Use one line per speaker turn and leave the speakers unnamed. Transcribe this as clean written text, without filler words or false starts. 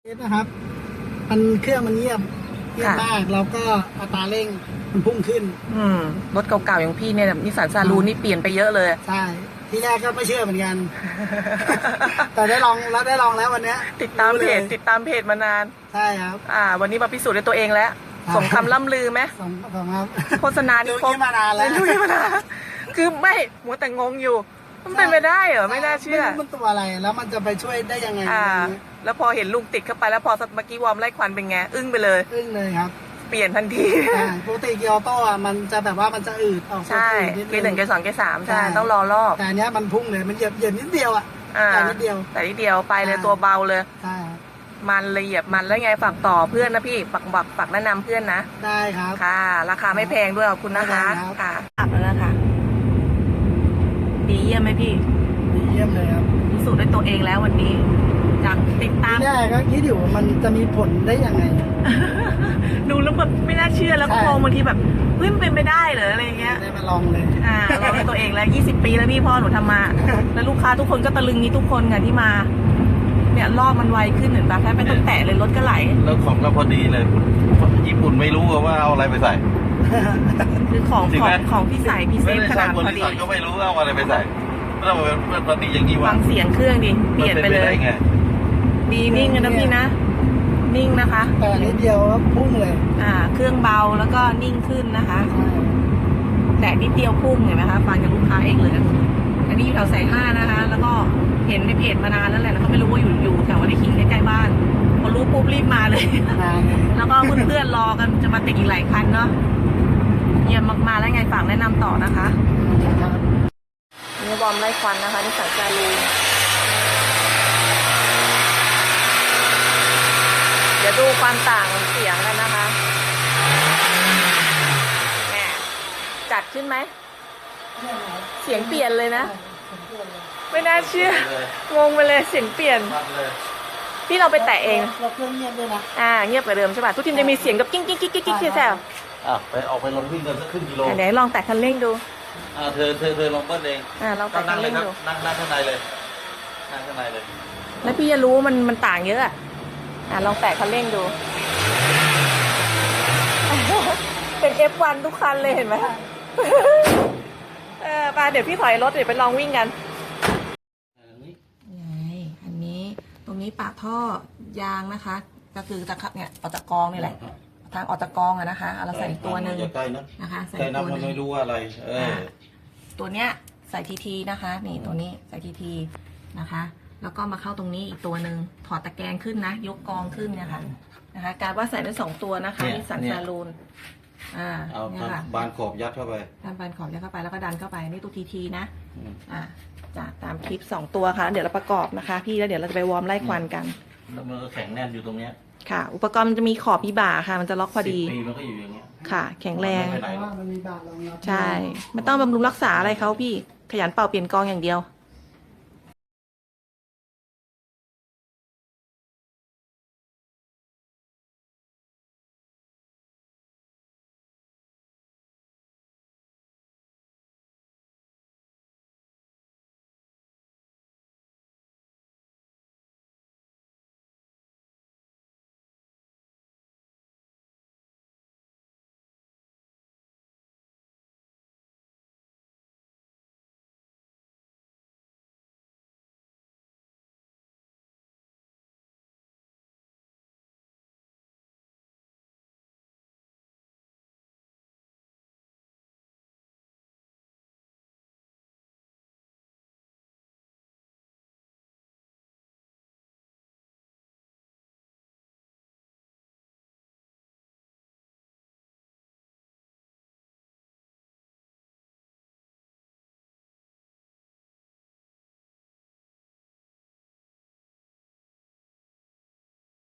นะครับมันเครื่องมันเงียบมากแล้วก็อัตราเร่งมันพุ่งขึ้น
รถเก่าๆอย่างพี่เนี่ยนิสสันซารูนี่เปลี่ยนไปเยอะเลย
ใช่ที่แรกก็ไม่เชื่อเหมือนกัน แต่ได้ลองแล้ววันนี้
ติดตามเพจมานาน
ใช่ครับ
วันนี้มาพิสูจน์ด้วยตัวเองแล้วสมคำล่ำลือไหม
สมครับ
โฆษณาที่
มานานแล้ว
คือไม่มัวแต่งงอยู่มันเป็นไปได้เหรอไม่น่าเชื่อ
มันตัวอะไรแล้วมันจะไปช่วยได้ยังไง
แล้วพอเห็นลุงติดเข้าไปแล้วพอเมื่อกี้วอร์มไล่ควันเป็นไงอึ้งไปเลย
ครับ
เปลี่ยนทันที
ปกติเกียร์ออโต้มันจะแบบว่ามันจะอืดออก
ใช่เกียร์ 1เกียร์ 2เกียร์ 3ใช่ต้องรอรอบ
แต่อันนี้มันพุ่งเลยมันเหยียบนิดเดียวแต่นิดเดี
ยวไปเลยตัวเบาเลย
ใช่
มันละเอียดมันแล้วไงฝากต่อเพื่อนนะพี่ฝากแนะนำเพื่อนนะ
ได้ครับ
ค่ะราคาไม่แพงด้วยขอบคุณนะคะค่ะแล้วนะคะดีเยี่ยมไหมพี่
ดีเยี่ยมเลยครับ
พิสูจน์ด้วยตัวเองแล้ววันนี้จากติดตาม
แรกก็คิดอยู่มันจะมีผลได้ยังไง
ดูแล้วแบบไม่น่าเชื่อแล้วก็มองบางทีแบบเฮ้ยมันเป็นไปได้เหรออะไรเงี้ย
ได้มาลองเลย
ลองด้วยตัวเองแล้ว20 ปีแล้วพี่พ่อหนูทำมาแล้วลูกค้าทุกคนก็ตะลึงนี้ทุกคนค่ะที่มาเนี่ยรอบมันไวขึ้นเหมือนแบบแค่ไม่ต้องแตะเลยรถก็ไหล
แล้วของเราพอดีเลยญี่ปุ่นไม่รู้ว่าเอาอะไรไปใส่
คือของที่ใส่พี่เซฟขนาดพอดี
ก็ไม่รู้เอาอะไรไปใส่แล้วมันพอดีอย่างนี้
ฟังเสียงเครื่องดิเปลี่ยนไปเลยดีนิ่งนะพี่นะนิ่งนะคะ
แต่นิดเดียวพุ่งเลย
เครื่องเบาแล้วก็นิ่งขึ้นนะคะแต่นิดเดียวพุ่งเห็นไหมคะฟังจากลูกค้าเองเลยอันนี้อยู่แถวสาย5นะคะแล้วก็เห็นในเพจมานานแล้วแหละแล้วก็ไม่รู้ว่าอยู่แถววัดไร่ขิงใกล้ๆบ้านพอรู้ปุ๊บรีบมาเลยแล้วก็เพื่อนๆรอกันจะมาติดอีกหลายคันเนาะเยี่ยมมากๆแล้วไงฝากแนะนำต่อนะคะนี่บอมไล่ควันนะคะที่สายการูเดี๋ยวดูความต่างเสียงกันนะคะแหมจัดขึ้นไหมเสียงเปลี่ยนเลยนะไม่น่าเชื่องงไปเลยเสียงเปลี่ยนพี่เราไปแตะเอง
เราเครื่องเงียบด้วยนะ
เงียบกว่าเดิมใช่ป่ะทุกทีจะมีเสียงกับกิ้งแซว
ไปออกไปลงวิ่งกันสักครึ่งกิโล
ไหนลองแตะคันเร่งดู
เธอลองเบิ้ลเอง
ลองแตะคันเร่งดู
นั่งข้างในเลยนั่งข้างในเลย
แล้วพี่จะรู้มันต่างเยอะลองแตะคันเร่งดูเป็น F1 ทุกคันเลยเห็นไหมไปเดี๋ยวพี่ถอยรถเดี๋ยวไปลองวิ่งกันอันนี้ตรงนี้ปากท่อยางนะคะก็คือตะขับเนี่ยออกจากกองนี่แหละทางออกจากกองนะคะเราใส่อีกตัวหนึ่งนะคะใส่ตัวนึง
ไม่รู้ว่าอะไร
ตัวเนี้ยใส่ทีนะคะนี่ตัวนี้ใส่ทีนะคะแล้วก็มาเข้าตรงนี้อีกตัวหนึ่งถอดตะแกรงขึ้นนะยกกองขึ้นเนี่ยค่ะนะคะการว่าใส่ได้2ตัวนะคะนิสสันซารูน
เอาบานขอบยัดเข้าไป
บานขอบยัดเข้าไปแล้วก็ดันเข้าไปนี่ตัวทีนะจะตามคลิป2ตัวค่ะเดี๋ยวเราประกอบนะคะพี่แล้วเดี๋ยวเราจะไปวอร์มไล่ควันกัน
แล้วมันก็แข็งแน่นอยู่ตรงเนี้ย
ค่ะอุปกรณ์มันจะมีขอบมีบ่าค่ะมันจะล็อกพอดี
มันก็อยู่อย่างเงี้ย
ค่ะแข็งแรง
มันมีบ่ารองรับ
ใช่ไม่ต้องบำรุงรักษาอะไรเขาพี่ขยันเป่าเปลี่ยนกองอย่างเดียว